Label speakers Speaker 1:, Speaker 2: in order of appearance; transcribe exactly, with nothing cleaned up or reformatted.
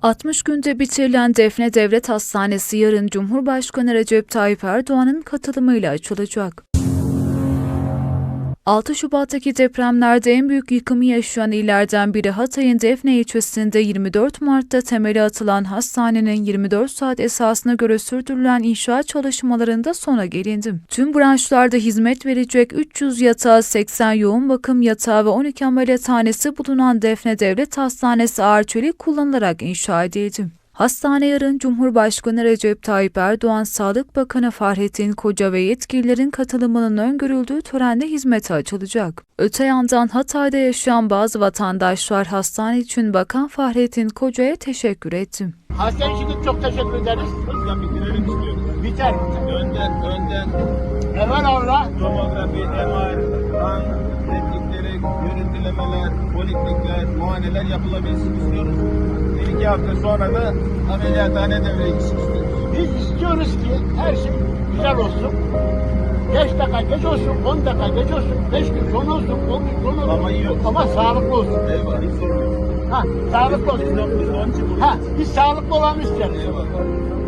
Speaker 1: altmış günde bitirilen Defne Devlet Hastanesi yarın Cumhurbaşkanı Recep Tayyip Erdoğan'ın katılımıyla açılacak. altı Şubat'taki depremlerde en büyük yıkımı yaşayan illerden biri Hatay'ın Defne ilçesinde yirmi dört Mart'ta temeli atılan hastanenin yirmi dört saat esasına göre sürdürülen inşaat çalışmalarında sona gelindi. Tüm branşlarda hizmet verecek üç yüz yatağı, seksen yoğun bakım yatağı ve on iki ameliyathanesi bulunan Defne Devlet Hastanesi ağır çelik kullanılarak inşa edildi. Hastane yarın Cumhurbaşkanı Recep Tayyip Erdoğan, Sağlık Bakanı Fahrettin Koca ve yetkililerin katılımının öngörüldüğü törenle hizmete açılacak. Öte yandan Hatay'da yaşayan bazı vatandaşlar hastane için Bakan Fahrettin Koca'ya teşekkür etti.
Speaker 2: Hastane için çok teşekkür ederiz.
Speaker 3: Hızla bitirelim istiyorum.
Speaker 2: Biter.
Speaker 3: Önden, önden
Speaker 2: Evvel Allah.
Speaker 3: tomografi, M R, kan replikleri, görüntülemeler, poliklikler, muayeneler yapılabilsin istiyoruz. Bir iki hafta sonra da ameliyathane devreye girsin istiyoruz.
Speaker 2: Biz istiyoruz ki her şey güzel olsun. beş dakika geç olsun, on dakika geç olsun, beş gün sonra olsun, on gün sonra olsun.
Speaker 3: Ama iyi olsun.
Speaker 2: Ama sağlıklı olsun.
Speaker 3: Eyvallah, hiç sorun yok.
Speaker 2: Ha, sağlıklı
Speaker 3: Biz de
Speaker 2: olsun.
Speaker 3: biz de onun için buradayız.
Speaker 2: Ha, biz sağlıklı olanı isteriz.
Speaker 3: Eyvallah.